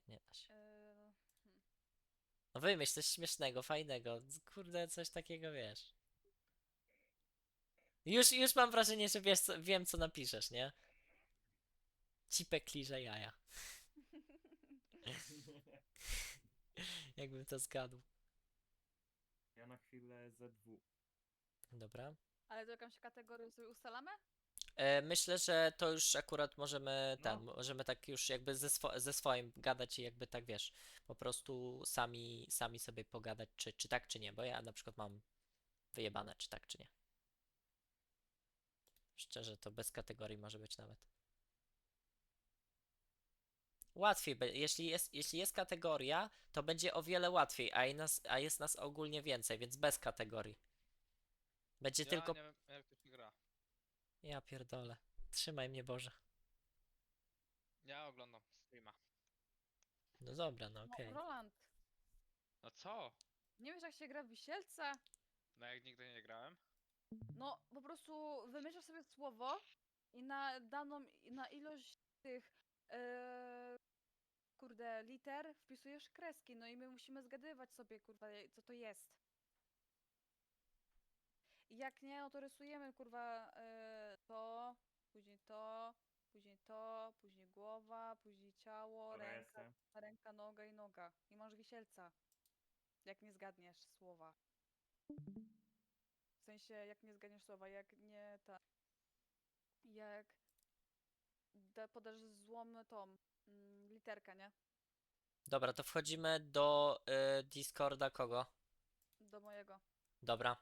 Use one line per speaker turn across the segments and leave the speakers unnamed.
nie da się.
Hmm.
No wymyśl coś śmiesznego, fajnego. Kurde, coś takiego wiesz. Już mam wrażenie, że wiesz, wiem co napiszesz, nie? Cipek liże jaja. Jakbym to zgadł.
Ja na chwilę ZW.
Dobra.
Ale to jakąś kategorię sobie ustalamy?
Myślę, że to już akurat możemy
No.
możemy tak już jakby ze swoim gadać i jakby tak wiesz, po prostu sami sobie pogadać, czy tak, czy nie, bo ja na przykład mam wyjebane, czy tak, czy nie. Szczerze, to bez kategorii może być nawet. Łatwiej, jeśli jest kategoria, to będzie o wiele łatwiej, a jest nas ogólnie więcej, więc bez kategorii. Będzie
Ja
tylko.
nie wiem jak to się gra.
Ja pierdolę. Trzymaj mnie Boże.
Ja oglądam streama.
No dobra, no
No,
okej.
Roland,
No co?
nie wiesz jak się gra w Wisielca?
No jak nigdy nie grałem?
No, po prostu wymyślasz sobie słowo i na daną, na ilość tych, kurde, liter wpisujesz kreski, no i my musimy zgadywać sobie, kurwa, co to jest. I jak nie, no to rysujemy, kurwa, to, później to, później to, później głowa, później ciało,
Dobra,
ręka,
jestem.
ręka, noga i noga. I masz wisielca, jak nie zgadniesz słowa. W sensie, jak nie zgadniesz słowa, jak nie ta... Jak podasz złą tą literkę, nie?
Dobra, to wchodzimy do Discorda kogo?
Do mojego.
Dobra.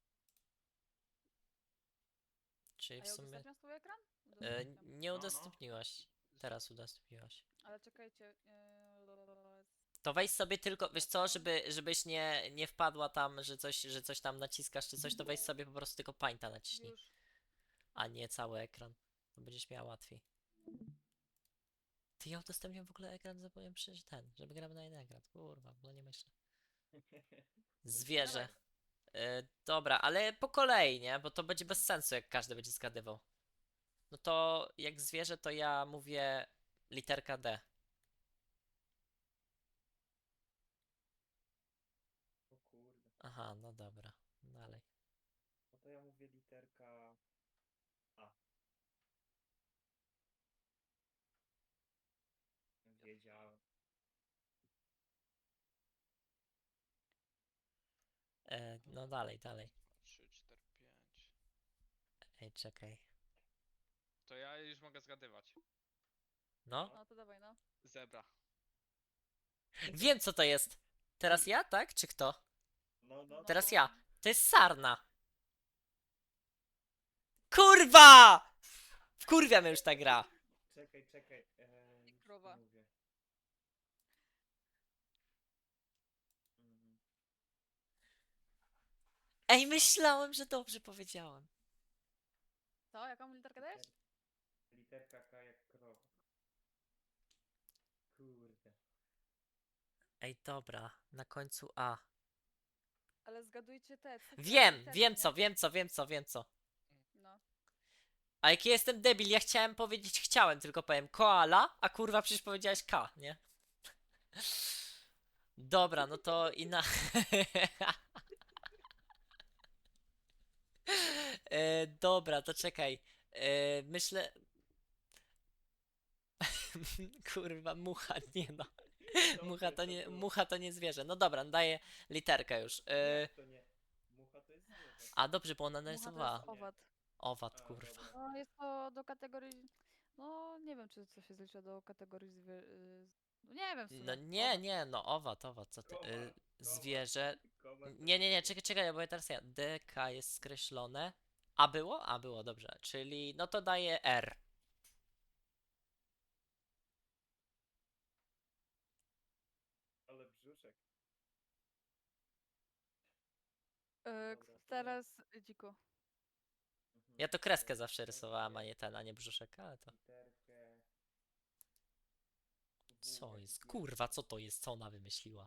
Czyli
A
w
ja
sumie
udostępniam swój ekran? Udostępniam.
nie
No, no.
udostępniłaś. Teraz udostępniłaś.
Ale czekajcie.
To weź sobie tylko, wiesz co, żebyś nie wpadła tam, że coś tam naciskasz czy coś, to weź sobie po prostu tylko pańta naciśnij,
Już.
a nie cały ekran. To będziesz miała łatwiej. Ty ja udostępniam w ogóle ekran, zapomniałem przecież żeby gramy na jeden ekran. Kurwa, bo nie myślę. Zwierzę.
Dawaj.
Dobra, ale po kolei, nie? Bo to będzie bez sensu, jak każdy będzie zgadywał. No to jak zwierzę, to ja mówię literka D.
O kurde.
Aha, no dobra. Dalej.
No to ja mówię literka A. Wiedziałem.
No dalej, dalej.
3, 4, 5.
Ej, czekaj.
To ja już mogę zgadywać.
No?
No to dawaj, no.
Zebra.
Wiem co to jest! Teraz ja, tak? Czy kto?
No, no,
Teraz
No.
ja. To jest sarna. Kurwa! Wkurwia mnie już ta gra.
Czekaj, czekaj.
I
Już ci
krowa.
mówię. Mm,
Ej, myślałem, że dobrze powiedziałem.
Co? Jaką literkę dajesz?
Literka K jak krowa. Kurde.
Ej, dobra. Na końcu A.
Ale zgadujcie te cyfry,
Wiem,
literki,
wiem
nie?
co, wiem co, wiem co, wiem co.
No.
A jaki jestem debil, ja chciałem powiedzieć chciałem, tylko powiem koala, a kurwa przecież powiedziałeś K, nie? Dobra, no to inna. Dobra, to czekaj. Myślę. Kurwa, mucha, nie no.
Dobre to było.
Mucha to nie zwierzę. No dobra, daję literkę już.
Jak to nie? Mucha to jest zwierzę.
A dobrze, bo ona
Mucha to jest
narysowała.
Nie.
owad.
Owad,
A,
kurwa.
dobra.
No jest to do kategorii... No nie wiem, czy to się zlicza do kategorii No nie wiem w
No
sumie.
nie,
Owad.
nie, no owad, co ty.
Kowal. Kowal.
Zwierzę.
Kowal to
Nie,
jest
nie, nie,
zwierzę.
czekaj, bo ja teraz ja. DK jest skreślone. A było? A było, dobrze. Czyli no to daję R.
Ale brzuszek.
Yy,
Dobra, to ja.
teraz dziko.
Mhm.
Ja to kreskę
Ja
zawsze rysowałem, a
daję
nie ten, a nie brzuszek, ale to.
literkę W
Co
jak
jest? Kurwa,
wilkołak.
co to jest? Co ona wymyśliła?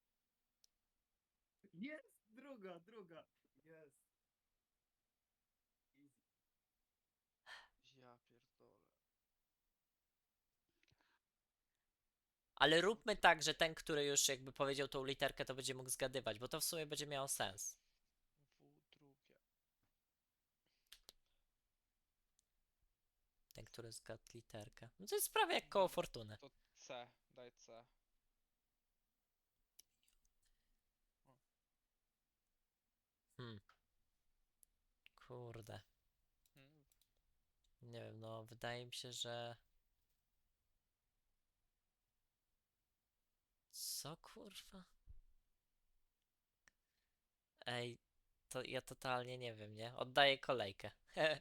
Jest! Druga, druga! Jest! Easy.
Ja pierdolę.
Ale róbmy tak, że ten, który już jakby powiedział tą literkę, to będzie mógł zgadywać, bo to w sumie będzie miało sens.
W drugie.
Ten, który zgadł literkę. No to jest prawie jak koło fortuny.
To C, daj C.
Hmm. Kurde.
Hmm.
Nie wiem, no wydaje mi się, że... Co kurwa? Ej, to ja totalnie nie wiem, nie? Oddaję kolejkę.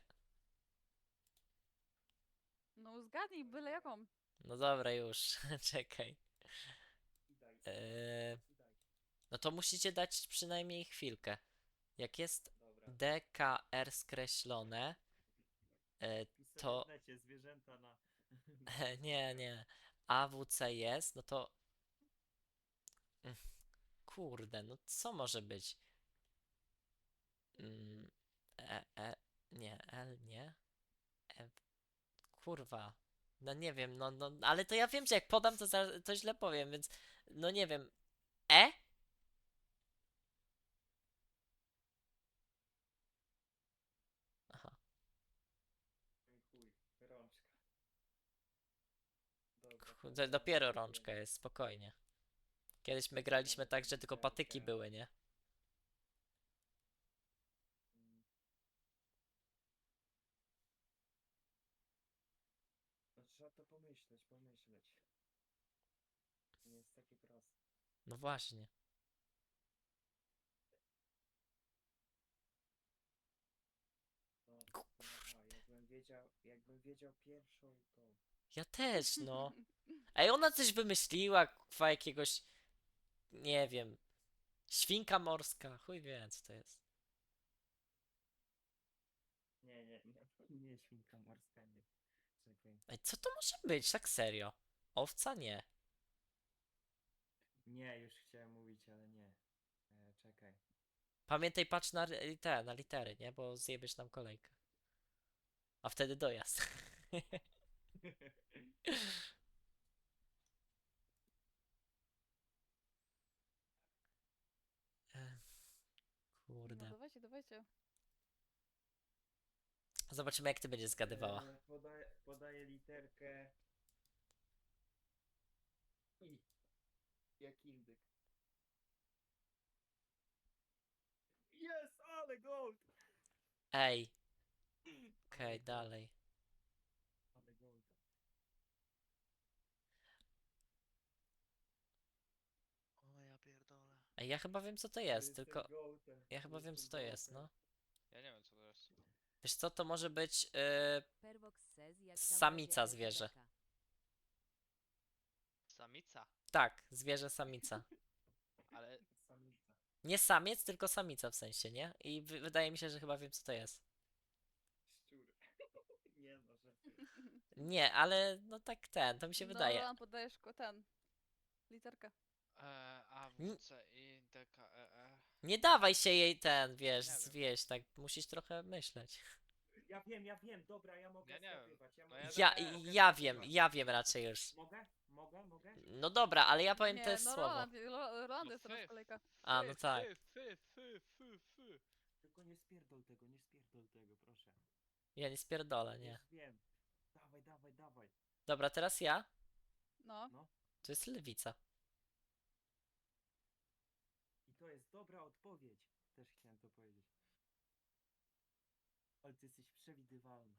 No zgadnij byle jaką.
No dobra, już. Czekaj.
I daj.
Eee,
I daj.
no to musicie dać przynajmniej chwilkę. Jak jest
Dobra.
DKR skreślone,
Pisałem
to...
w necie zwierzęta na...
Nie, nie. AWC jest, no to... Mm, Kurde, no co może być? Mm, nie, L, nie. Kurwa. No nie wiem, no, ale to ja wiem, że jak podam, to, to źle powiem, więc no nie wiem. E? Aha.
Chuj, rączka. Dobra,
Kurde, dopiero rączka jest, spokojnie. Kiedyś my graliśmy tak, że tylko patyki były, nie?
Mm. No, trzeba to pomyśleć. Nie jest takie proste.
No właśnie.
No, aha, jakbym wiedział pierwszą, to...
Ja też, no. Ej, ona coś wymyśliła, kwa jakiegoś, nie wiem, świnka morska, chuj wie, co to jest.
Nie świnka morska, nie. Czekaj.
Ej, co to może być, tak serio? Owca? Nie.
Nie, już chciałem mówić, ale nie. Czekaj.
Pamiętaj, patrz na, na litery, nie? Bo zjebiesz nam kolejkę. A wtedy dojazd.
No
Kurde.
dawajcie, dawajcie.
Zobaczymy, jak ty będziesz zgadywała.
Podaję literkę I. Jak indyk. Jest, ale gold!
Ej. Okej, dalej.
Ale gold.
O ja pierdolę.
Ej, ja chyba wiem, co to jest, tylko... Ja chyba wiem, co to jest, no.
Ja nie wiem co to jest.
Wiesz co, to może być
Pervox says, jak tam
samica
będzie
zwierzę.
LKBK.
Samica.
Tak, zwierzę samica.
Ale
Samica.
Nie samiec, tylko samica w sensie, nie? I wydaje mi się, że chyba wiem, co to jest.
Szczur. Nie no, żartuję.
Nie, ale no tak ten, to mi się
No,
wydaje.
Roland, podajesz ten. Literkę.
A, W, C, I, D, K, E.
Nie dawaj się jej ten, wiesz,
Nie wiem.
zwieść, tak musisz trochę myśleć.
Ja wiem, dobra, ja mogę
Ja nie wiem.
zgadywać.
No ja
Ja,
też.
mogę
ja wiem,
zgadywać.
ja wiem raczej już.
Mogę?
No dobra, ale ja powiem
Nie,
to
no
jest słowo.
Roland
No
jest teraz
fy.
kolejka.
A, no tak.
Fy.
Tylko nie spierdol tego, proszę.
Ja nie spierdolę, nie.
Już wiem. Dawaj.
Dobra, teraz ja.
No.
To jest lewica.
I to jest dobra odpowiedź. Też chciałem to powiedzieć. Ale ty jesteś przewidywalna.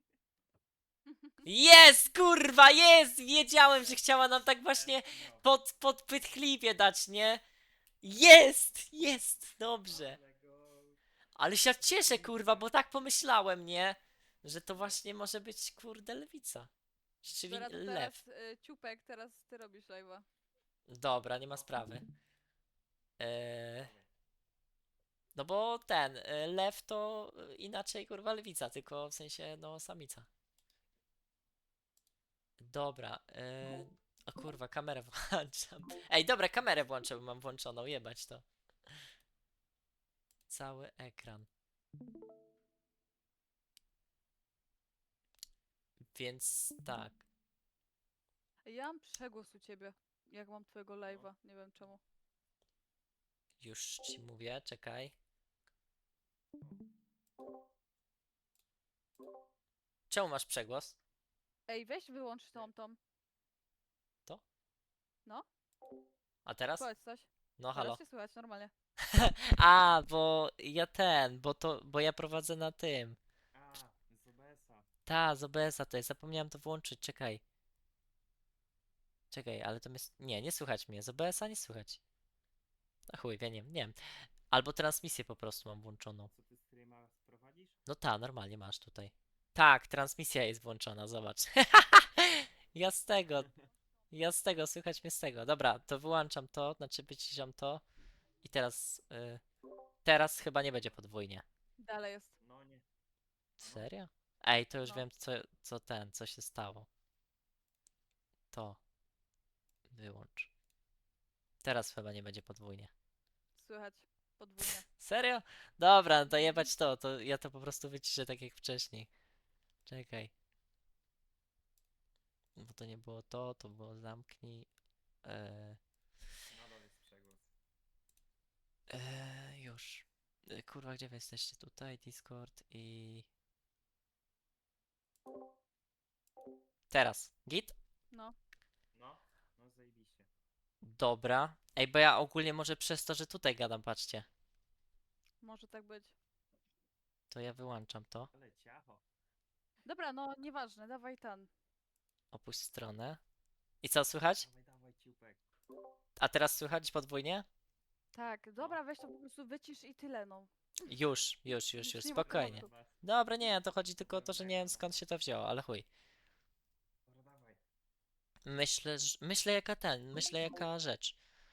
Jest, kurwa, jest! Wiedziałem, że chciała nam tak właśnie
No.
podpytchliwie dać, nie? Jest, dobrze.
Ale go...
Ale się cieszę, kurwa, bo tak pomyślałem, nie? Że to właśnie może być, kurde, lewica. Czyli
Dobra, to
lew.
teraz Ciupek, teraz ty robisz live'a.
Dobra, nie ma sprawy. No bo ten, lew to inaczej, kurwa, lewica, tylko w sensie, no, samica. Dobra, o kurwa, kamerę włączam. Ej, dobra, kamerę włączę, bo mam włączoną, jebać to. Cały ekran. Więc tak.
Ja mam przegłos u ciebie. jak mam twojego live'a, nie wiem czemu.
Już ci mówię, czekaj. Czemu masz przegłos?
Ej, weź wyłącz tą.
A teraz?
Powiedz coś.
No halo.
Teraz się słychać normalnie.
A, bo ja prowadzę na tym.
A, z OBS-a.
Ta, z OBS-a to jest, zapomniałem to włączyć, czekaj. Czekaj, ale to jest... Nie słychać mnie, z OBS-a nie słychać. A chuj, ja nie wiem. Albo transmisję po prostu mam włączoną.
Co ty streama prowadzisz?
No ta, normalnie masz tutaj. Tak, transmisja jest włączona, zobacz. Ja z tego, słychać mnie z tego. Dobra, to wyłączam to, znaczy wyciszam to. I teraz chyba nie będzie podwójnie.
Dalej jest.
No nie.
Serio? Ej, to już
No.
wiem, co się stało. To. Wyłącz. Teraz chyba nie będzie podwójnie.
Słychać podwójnie.
Serio? Dobra, to jebać to ja to po prostu wyciszę tak jak wcześniej. Czekaj. Bo to nie było to było zamknij.
Nadal jest przegłos.
Już. Kurwa, gdzie wy jesteście? Tutaj, Discord i... Teraz. Git?
No.
No zajebiście.
Dobra. Ej, bo ja ogólnie może przez to, że tutaj gadam, patrzcie.
Może tak być.
To ja wyłączam to.
Ale ciacho.
Dobra, no nieważne, dawaj ten.
Opuść stronę. I co, słychać?
Dawaj ciupek.
A teraz słychać podwójnie?
Tak, dobra, weź to po prostu wycisz i tyle, no.
Już,
Już nie ma
spokojnie.
tematu.
Dobra, nie, to chodzi tylko o to, że nie wiem skąd się to wzięło, ale chuj.
Dobra, dawaj.
Myślę jaka rzecz.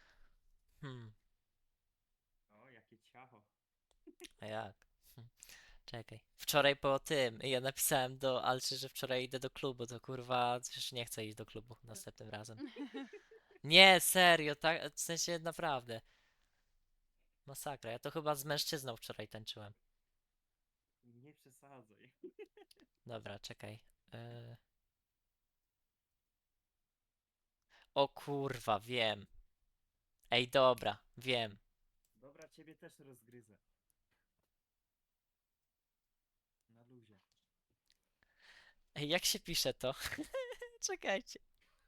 O, jakie ciacho.
A jak? Czekaj. Wczoraj po tym, ja napisałem do Alczy, że wczoraj idę do klubu, to kurwa, już nie chcę iść do klubu następnym razem. Nie, serio, tak, w sensie naprawdę. Masakra, ja to chyba z mężczyzną wczoraj tańczyłem.
Nie przesadzaj.
Dobra, czekaj. O kurwa, wiem. Ej, dobra, wiem.
Dobra, ciebie też rozgryzę. Na luzie.
Ej, jak się pisze to? Czekajcie.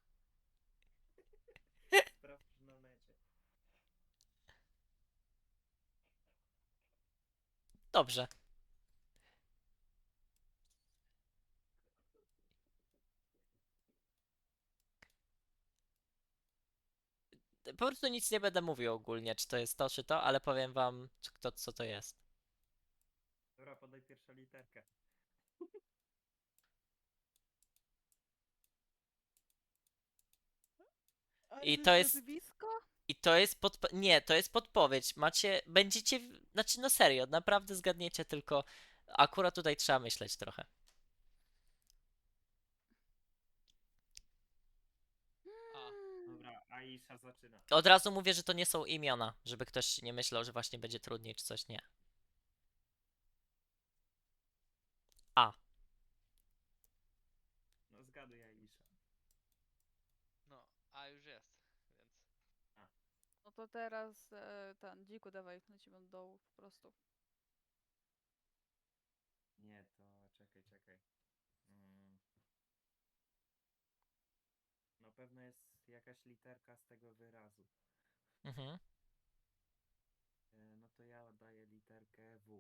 Sprawdź na necie.
Dobrze. Po prostu nic nie będę mówił ogólnie, czy to jest to, czy to, ale powiem wam, co to jest.
Dobra, podaj pierwszą literkę.
I to jest-
Nazwisko?
I to jest nie, to jest podpowiedź. Będziecie, znaczy no serio, naprawdę zgadniecie, tylko akurat tutaj trzeba myśleć trochę.
A,
Dobra, Aisha zaczyna.
Od razu mówię, że to nie są imiona, żeby ktoś nie myślał, że właśnie będzie trudniej czy coś, nie. A.
No zgaduj Aisha.
no, a już jest, więc...
No to teraz ten, dziku dawaj, lecimy do dołu po prostu.
Nie, to czekaj. Mm. Na pewno jest jakaś literka z tego wyrazu.
Mhm.
No to ja oddaję literkę W.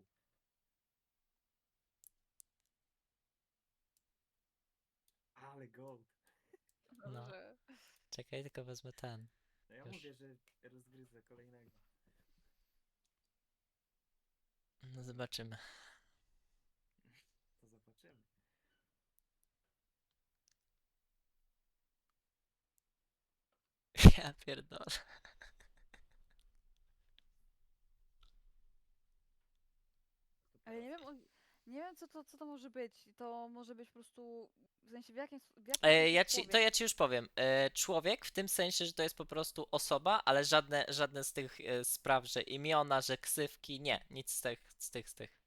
Ale gold.
No.
Dobrze.
Czekaj, tylko wezmę ten.
No ja
Już.
mówię, że rozgryzę kolejnego.
No zobaczymy.
To zobaczymy.
Ja pierdolę.
Ale nie wiem, nie wiem co to może być. To może być po prostu, w sensie w jakim sensie
Ja ci już powiem. Człowiek w tym sensie, że to jest po prostu osoba, ale żadne z tych spraw, że imiona, że ksywki, nie, nic z tych.